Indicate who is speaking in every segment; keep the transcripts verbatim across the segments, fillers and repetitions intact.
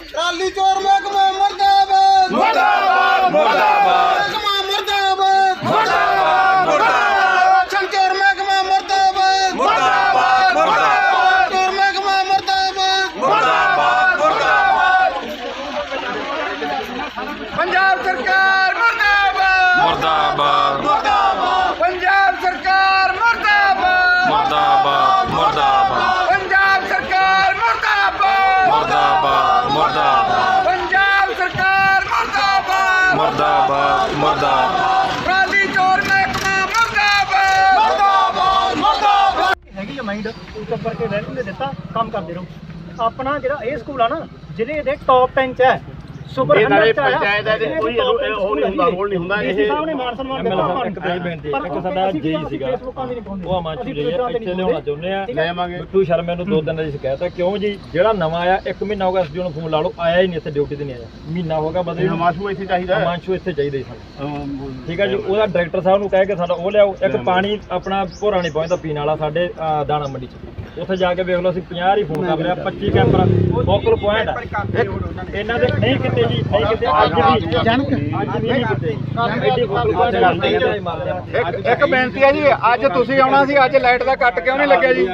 Speaker 1: Trolley ਚੋਰ ਮਹਿਕਮਾ ਮੁਰਦਾਬਾਦ
Speaker 2: ਮੁਰਦਾਬਾਦ ਮੁਰਦਾਬਾਦ
Speaker 1: ਮਹਿਕਮਾ ਮੁਰਦਾਬਾਦ
Speaker 2: ਮੁਰਦਾਬਾਦ ਮੁਰਦਾਬਾਦ
Speaker 1: ਚੋਰ ਮਹਿਕਮਾ ਮੁਰਦਾਬਾਦ
Speaker 2: ਮੁਰਦਾਬਾਦ ਮੁਰਦਾਬਾਦ
Speaker 1: ਚੋਰ ਮਹਿਕਮਾ ਮੁਰਦਾਬਾਦ
Speaker 2: ਮੁਰਦਾਬਾਦ ਮੁਰਦਾਬਾਦ
Speaker 1: ਪੰਜਾਬ ਸਰਕਾਰ ਮੁਰਦਾਬਾਦ
Speaker 2: ਮੁਰਦਾਬਾਦ
Speaker 1: ਮੁਰਦਾਬਾਦ ਪੰਜਾਬ ਸਰਕਾਰ ਮੁਰਦਾਬਾਦ
Speaker 2: ਮੁਰਦਾਬਾਦ ਮੁਰਦਾਬਾਦ
Speaker 1: ਪੰਜਾਬ ਸਰਕਾਰ ਮੁਰਦਾਬਾਦ
Speaker 2: ਮੁਰਦਾਬਾਦ ਮੁਰਦਾਬਾਦ
Speaker 1: ਪੰਜਾਬ ਸਰਕਾਰ ਮੁਰਦਾਬਾਦ
Speaker 2: ਮੁਰਦਾਬਾਦ ਮੁਰਦਾਬਾਦ
Speaker 1: ਟਰਾਲੀ ਚੋਰ ਮਹਿਕਮਾ ਮੁਰਦਾਬਾਦ ਮੁਰਦਾਬਾਦ ਮੁਰਦਾਬਾਦ
Speaker 3: ਹੈਗੀ ਆ ਮਾਈਂਡ ਉਸ ਉੱਪਰ ਕੇ ਵੈਲਿਊ ਨੇ ਦਿੱਤਾ ਕੰਮ ਕਰਦੇ ਰਹੋ। ਆਪਣਾ ਜਿਹੜਾ ਇਹ ਸਕੂਲ ਆ ਨਾ ਜ਼ਿਲ੍ਹੇ ਦੇ ਟੌਪ ਟੈਨ ਚ ਹੈ। ਸੁਪਰ
Speaker 4: ਇਹ ਨਾਲੇ
Speaker 3: ਹੰਡਰਡ ਚ ਆਇਆ।
Speaker 4: ਪੰਚਾਇਤ ਹੈ ਤੇ
Speaker 3: ਇਹ
Speaker 4: ਕੋਈ
Speaker 3: top ten
Speaker 4: ਉਹ ਨਹੀਂ ਹੁੰਦਾ, ਰੋਲ ਨਹੀਂ ਹੁੰਦਾ।
Speaker 3: ਡੀਸੀ
Speaker 4: ਇਹ
Speaker 3: ਸਾਹਿਬ ਨੇ ਮਾਨ ਸਨਮਾਨ ਦਿੱਤਾ ਆਪਾਂ
Speaker 5: ਇੱਕ ਤਾਂ ਇਹ ਬੇਨਤੀ ਹੈ,
Speaker 3: ਪਰ
Speaker 5: ਇੱਕ ਸਾਡਾ
Speaker 3: ਅਸੀਂ
Speaker 5: ਜੇਈ ਸੀਗਾ,
Speaker 3: ਫੇਸਬੁੱਕਾਂ ਵੀ ਨਹੀਂ ਪਾਉਂਦੇ।
Speaker 5: ਉਹ ਅਮਾਨਸ਼ੂ
Speaker 3: ਅਸੀਂ
Speaker 5: ਜੀ
Speaker 3: ਟਵਿੱਟਰਾਂ ਤੇ
Speaker 5: ਇੱਥੇ
Speaker 3: ਨਹੀਂ
Speaker 5: ਲਿਆਉਣਾ ਚਾਹੁੰਦੇ ਆ।
Speaker 3: ਠੀਕ ਹੈ।
Speaker 4: ਲੈ ਆਵਾਂਗੇ।
Speaker 5: ਬਿੱਟੂ ਸ਼ਰਮੇ ਨੂੰ ਦੋ ਦਿਨ ਦੀ ਸ਼ਿਕਾਇਤ ਹੈ। ਕਿਉਂ ਜੀ? ਜਿਹੜਾ ਨਵਾਂ ਆਇਆ ਇੱਕ ਮਹੀਨਾ ਹੋ ਗਿਆ, ਅਸੀਂ ਉਹਨੂੰ ਫੋਨ ਲਾ ਲਓ, ਆਇਆ ਹੀ ਨਹੀਂ, ਇੱਥੇ ਡਿਊਟੀ ਤੇ ਨਹੀਂ ਆਇਆ। ਮਹੀਨਾ ਹੋ ਗਿਆ ਬਦਲੇ ਨੂੰ।
Speaker 4: ਹਮਾਸ਼ੂ ਇੱਥੇ ਚਾਹੀਦਾ ਹੈ।
Speaker 5: ਅਮਾਨਸ਼ੂ ਇੱਥੇ ਚਾਹੀਦੇ ਸੀ ਸਾਨੂੰ।
Speaker 4: ਅਮ,
Speaker 5: ਠੀਕ ਹੈ ਜੀ। ਉਹਦਾ ਡਾਇਰੈਕਟਰ ਸਾਹਿਬ ਨੂੰ ਕਹਿ ਕੇ ਸਾਡਾ ਉਹ ਲਿਆਓ। ਇੱਕ ਪਾਣੀ ਆਪਣਾ ਭੋਰਾ ਨਹੀਂ ਪਹੁੰਚਦਾ ਪੀਣ ਵਾਲਾ ਸਾਡੇ ਅਹ, ਦਾਣਾ ਮੰਡੀ ਚ। ਉੱਥੇ ਜਾ ਕੇ ਵੇਖ ਲਓ, ਅਸੀਂ ਪੰਜਾਹ ਹੀ ਫੋਨ ਕਰ ਲਿਆ, ਪੱਚੀ ਕੈਂਪਰ ਫੋਕਲ ਪੁਆਇੰਟ ਇਹਨਾਂ ਦੇ ਨਹੀਂ ਕਿਤੇ ਜੀ, ਨਹੀਂ ਕਿਤੇ ਅੱਜ ਵੀ ਅੱਜ ਵੀ ਨਹੀਂ ਕਿਤੇ ਐਡੀ ਫੋਕਲ ਪੁਆਇੰਟ ਕਰਦੇ ਆ।
Speaker 4: ਇੱਕ ਇੱਕ ਬੇਨਤੀ ਹੈ ਜੀ, ਅੱਜ ਤੁਸੀਂ ਆਉਣਾ ਸੀ, ਅੱਜ ਲਾਈਟ ਦਾ ਕੱਟ ਕਿਉਂ ਨਹੀਂ ਲੱਗਿਆ ਜੀ?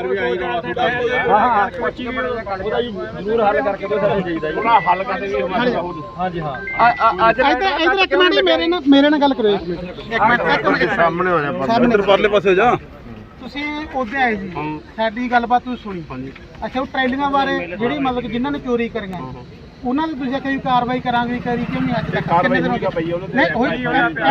Speaker 5: ਹਾਂ ਹਾਂ ਪੱਚੀ ਵੀ ਉਹਦਾ ਜੀ ਜ਼ਰੂਰ ਹੱਲ ਕਰਕੇ ਦੋ ਸਾਨੂੰ ਚਾਹੀਦਾ ਜੀ।
Speaker 4: ਉਹਨਾਂ ਹੱਲ ਕਰਦੇ ਵੀ ਹਮਾਸ਼ੂ
Speaker 5: ਹਾਂਜੀ ਹਾਂ
Speaker 4: ਅੱਜ
Speaker 1: ਇੱਧਰ ਇੱਧਰ ਇੱਕ ਮਿੰਟ ਮੇਰੇ ਨਾਲ ਮੇਰੇ ਨਾਲ ਗੱਲ ਕਰੋ ਇੱਕ ਮਿੰਟ ਇੱਕ ਮਿੰਟ ਇੱਕ ਮਿੰਟ
Speaker 4: ਸਾਹਮਣੇ ਹੋ ਜਾ
Speaker 1: ਸਾਹਮਣੇ
Speaker 4: ਪਰਲੇ ਪਾਸੇ ਜਾ।
Speaker 1: ਤੁਸੀਂ ਉਹਦੇ ਆਏ ਜੀ ਸਾਡੀ ਗੱਲਬਾਤ ਤੁਸੀਂ ਸੁਣੀ ਅੱਛਾ ਉਹ ਟ੍ਰੇਲਿੰਗਾਂ ਬਾਰੇ ਜਿਹੜੀ ਮਤਲਬ ਕਿ ਜਿਨ੍ਹਾਂ ਨੇ ਚੋਰੀ ਕਰੀਆਂ ਉਹਨਾਂ ਦੀ ਤੁਸੀਂ ਆਖਿਆ ਵੀ ਕਾਰਵਾਈ ਕਰਾਂਗੇ ਕਰੀ ਕਿਉਂ ਨਹੀਂ ਅੱਜ ਤੱਕ
Speaker 4: ਕਾਰਵਾਈ ਹੋਈ ਆ ਪਈ ਉਹਦੇ
Speaker 1: ਨਹੀਂ ਹੋਈ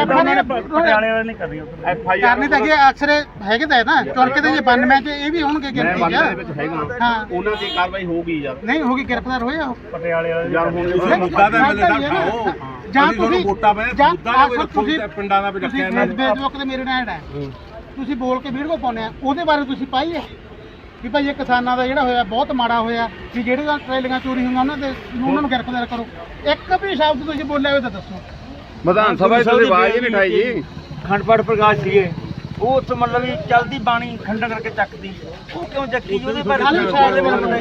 Speaker 1: ਪਟਿਆਲੇ ਵਾਲੇ ਨਹੀਂ ਕਰਨੀ
Speaker 4: ਐਫ ਆਈ ਆਰ
Speaker 1: ਕਰਨੀ ਤਾਂ ਅੱਗੇ ਅਕਸਰ ਹੈਗੇ ਤਾਂ ਹੈ ਨਾ ਚੁਣ ਕੇ ਤੇ ਜੇ ਬਾਨਵੇਂ ਚ ਇਹ ਵੀ ਹੋਣਗੇ ਗਿਣਤੀ
Speaker 4: ਮੈਂ
Speaker 1: ਚ
Speaker 4: ਦੇ ਵਿੱਚ ਹੈਗਾ
Speaker 1: ਹਾਂ
Speaker 4: ਉਹਨਾਂ ਦੀ ਕਾਰਵਾਈ ਹੋਊਗੀ ਯਾਰ।
Speaker 1: ਨਹੀਂ ਹੋਗੀ ਗ੍ਰਿਫਤਾਰ ਹੋਏ ਆ ਉਹ
Speaker 4: ਪਟਿਆਲੇ ਵਾਲੇ ਯਾਰ ਹੁਣ
Speaker 1: ਤੁਸੀਂ ਮੁੱਦਾ ਤਾਂ ਮਿਲਦਾ ਖਾਓ ਜਾਂ ਤੁਸੀਂ ਵੋਟਾਂ ਪਏ ਮੁੱਦਾ ਨਾ ਕੋਈ ਰੱਖੋ ਪਿੰਡਾਂ ਦਾ ਵੀ ਰੱਖਿਆ ਇਹਨਾਂ ਨੇ ਫੇਸਬੁੱਕ ਤੇ ਮੇਰੇ ਨਾਲ ਹੈ ਤੁਸੀਂ ਬੋਲ ਕੇ ਵੀਡੀਓ ਪਾਉਂਦੇ ਆ ਉਹਦੇ ਬਾਰੇ ਤੁਸੀਂ ਪਾਈ ਹੈ ਵੀ ਭਾਈ ਇਹ ਕਿਸਾਨਾਂ ਦਾ ਜਿਹੜਾ ਹੋਇਆ ਬਹੁਤ ਮਾੜਾ ਹੋਇਆ ਵੀ ਜਿਹੜੇ ਟ੍ਰੇਲਿੰਗਾਂ ਚੋਰੀ ਹੋਈਆਂ ਉਹਨਾਂ ਦੇ ਉਹਨਾਂ ਨੂੰ ਗ੍ਰਿਫਤਾਰ ਕਰੋ। ਇੱਕ ਵੀ ਸ਼ਬਦ ਤੁਸੀਂ ਬੋਲਿਆ ਹੋਵੇ ਤਾਂ ਦੱਸੋ।
Speaker 4: ਵਿਧਾਨ ਸਭਾ ਵਿੱਚ ਤੁਸੀਂ ਆਵਾਜ਼ ਹੀ ਨਹੀਂ ਉਠਾਈ ਜੀ।
Speaker 6: ਖੰਡਪੜ ਪ੍ਰਕਾਸ਼ ਸੀਗੇ ਉਹ ਉੱਥੇ ਮਤਲਬ ਵੀ ਚਲਦੀ ਬਾਣੀ ਖੰਡਾ ਕਰਕੇ ਚੱਕਦੀ ਉਹ ਕਿਉਂ ਚੱਕੀ ਜੀ? ਉਹਦੇ ਬਾਰੇ
Speaker 1: ਖਾਲੀ ਸਾਈਡ ਦੇ ਬਾਰੇ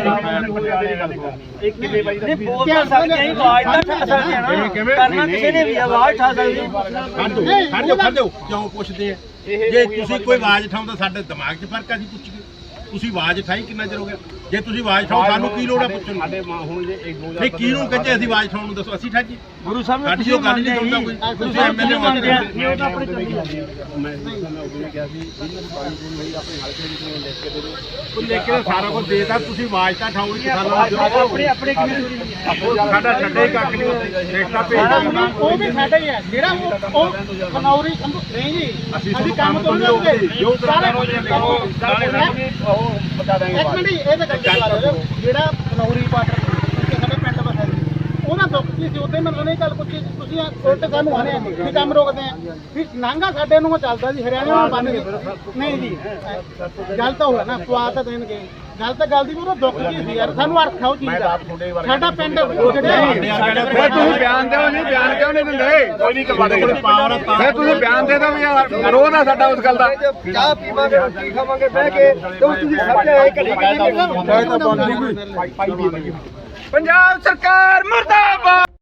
Speaker 4: ਇੱਕ ਕਿਵੇਂ ਬਾਈ
Speaker 6: ਨਹੀਂ ਬੋਲ ਤਾਂ ਸਕਦੇ ਆਂ, ਆਵਾਜ਼ ਤਾਂ ਠਾ ਸਕਦੇ ਆ ਨਾ। ਕਰਨਾ ਕਿਸੇ ਨੇ ਵੀ ਆਵਾਜ਼ ਠਾ ਸਕਦੀ
Speaker 7: ਖੜ ਜਾਓ ਖੜ ਜਾਓ ਕਿਉਂ ਪੁੱਛਦੇ ਆ? ਜੇ ਤੁਸੀਂ ਕੋਈ ਆਵਾਜ਼ ਉਠਾਉਂਦਾ ਸਾਡੇ ਦਿਮਾਗ 'ਚ ਫਰਕ ਆ, ਅਸੀਂ ਪੁੱਛੀਏ ਤੁਸੀਂ ਆਵਾਜ਼ ਉਠਾਈ ਕਿੰਨਾ ਚਿਰ ਹੋ ਗਿਆ? ਜੇ ਤੁਸੀਂ ਆਵਾਜ਼ ਉਠਾਓ ਸਾਨੂੰ ਕੀ ਲੋੜ ਆ ਪੁੱਛਣ ਦੀ?
Speaker 4: ਸਾਡੇ ਮਾਂ ਹੁਣ ਜੇ ਇੱਕ ਦੋ
Speaker 7: ਨਹੀਂ ਕਿਹਨੂੰ ਕਹਿੰਦੇ ਅਸੀਂ ਆਵਾਜ਼ ਉਠਾਉਣ ਨੂੰ ਦੱਸੋ ਅਸੀਂ ਠਾਜੀ
Speaker 6: ਗੁਰੂ ਸਾਹਿਬ ਨੇ
Speaker 7: ਸਾਡੀ
Speaker 6: ਤੁਸੀਂ
Speaker 7: ਉਹ ਗੱਲ ਨਹੀਂ
Speaker 6: ਮੰਨਦੇ
Speaker 7: ਸੁਣਦਾ ਕੋਈ
Speaker 6: ਤੁਸੀਂ
Speaker 7: ਤੁਸੀਂ ਐਮਐਲਏ
Speaker 6: ਮੰਨਦੇ ਆ
Speaker 7: ਮੰਨਦੇ
Speaker 6: ਇਹ ਤਾਂ ਆਪਣੇ ਚੱਲੀ ਜਾਂਦੀ
Speaker 4: ਮੈਂ ਉਹਨੇ ਕਿਹਾ ਸੀ ਜਿਹਨਾਂ ਦੀ ਪਾਣੀ ਪੂਣੀ ਹੋਈ ਆਪਣੇ ਹਲਕੇ ਵਿੱਚ ਨੂੰ ਲਿਖ ਕੇ ਦੇ ਦਿਓ।
Speaker 7: ਉਹ ਲਿਖ ਕੇ ਸਾਰਾ ਕੁਝ ਦੇਤਾ ਤੁਸੀਂ ਆਵਾਜ਼ ਤਾਂ ਉਠਾਓ ਕਿਸਾਨਾਂ ਨੂੰ
Speaker 6: ਆਪਣੇ ਆਪਣੇ ਕਿਵੇਂ
Speaker 7: ਸਾਡਾ ਛੱਡੇ ਹੀ ਕੱਖ ਨਹੀਂ ਦੇਖਤਾ ਭੇਜਦਾ
Speaker 1: ਉਹ ਵੀ ਸਾਡਾ ਹੀ ਹੈ ਜਿਹੜਾ ਉਹ ਉਹ ਖਨੌਰੀ ਸੰਭੂ ਨਹੀਂ ਜੀ ਅਸੀਂ ਕੰਮ ਤੋਂ ਨਹੀਂ ਹੋਗੇ
Speaker 4: ਜੋ ਤਰ੍ਹਾਂ ਹੋ ਜਾਂਦੇ ਉਹ ਉਹ ਬਤਾ ਦਾਂਗੇ
Speaker 1: ਇੱਕ ਮਿੰਟ ਇਹ ਤਾਂ ਗੱਲ ਕਰ ਰਹੇ ਜਿਹੜਾ ਖਨੌਰੀ ਬਾਰਡਰ ਸਾਡੇ ਪਿੰਡ ਵਸਿਆ ਸੀ ਉਹਦਾ ਦੁੱਖ ਕੀ ਸੀ ਉਹਦੇ ਮੈਨੂੰ ਨਹੀਂ ਗੱਲ ਪੁੱਛੀ ਤੁਸੀਂ ਉਲਟ ਸਾਨੂੰ ਆਨੇ ਆ ਵੀ ਕੰਮ ਰੋਕਦੇ ਆ ਵੀ ਨਾਂਗਾ ਸਾਡੇ ਨੂੰ ਚੱਲਦਾ ਜੀ ਹਰਿਆਣਾ ਨੂੰ ਬੰਨ ਗਏ ਨਹੀਂ ਜੀ ਗੱਲ ਤਾਂ ਹੋਇਆ ਨਾ ਪਵਾ ਤਾਂ ਦੇਣਗੇ ਗੱਲ ਤਾਂ ਗੱਲ ਦੀ ਵੀ ਉਹਦਾ ਦੁੱਖ ਕੀ ਸੀ ਯਾਰ ਸਾਨੂੰ ਅਰਥ ਆਉ ਚੀਜ਼ ਦਾ ਸਾਡਾ ਪਿੰਡ
Speaker 4: ਫਿਰ ਤੁਸੀਂ ਬਿਆਨ ਦਿਓ ਜੀ, ਬਿਆਨ ਕਿਉਂ ਨਹੀਂ ਦਿੰਦੇ? ਕੋਈ ਨਹੀਂ ਕਰਵਾ ਦੇ
Speaker 7: ਪਾਵਰ ਆ
Speaker 4: ਫਿਰ ਤੁਸੀਂ ਬਿਆਨ ਦੇ ਦਿਓ ਵੀ ਯਾਰ ਵਿਰੋਧ ਆ ਸਾਡਾ ਉਸ ਗੱਲ ਦਾ।
Speaker 3: ਚਾਹ ਪੀਵਾਂਗੇ ਰੋਟੀ ਖਾਵਾਂਗੇ ਬਹਿ ਕੇ ਤੇ ਤੁਸੀਂ ਸਮਝ ਆਏ ਘੜੀ ਕਿੰਨੇ
Speaker 4: ਪਾਈ ਦੀ
Speaker 6: ਪੰਜਾਬ ਸਰਕਾਰ ਮੁਰਦਾਬਾਦ।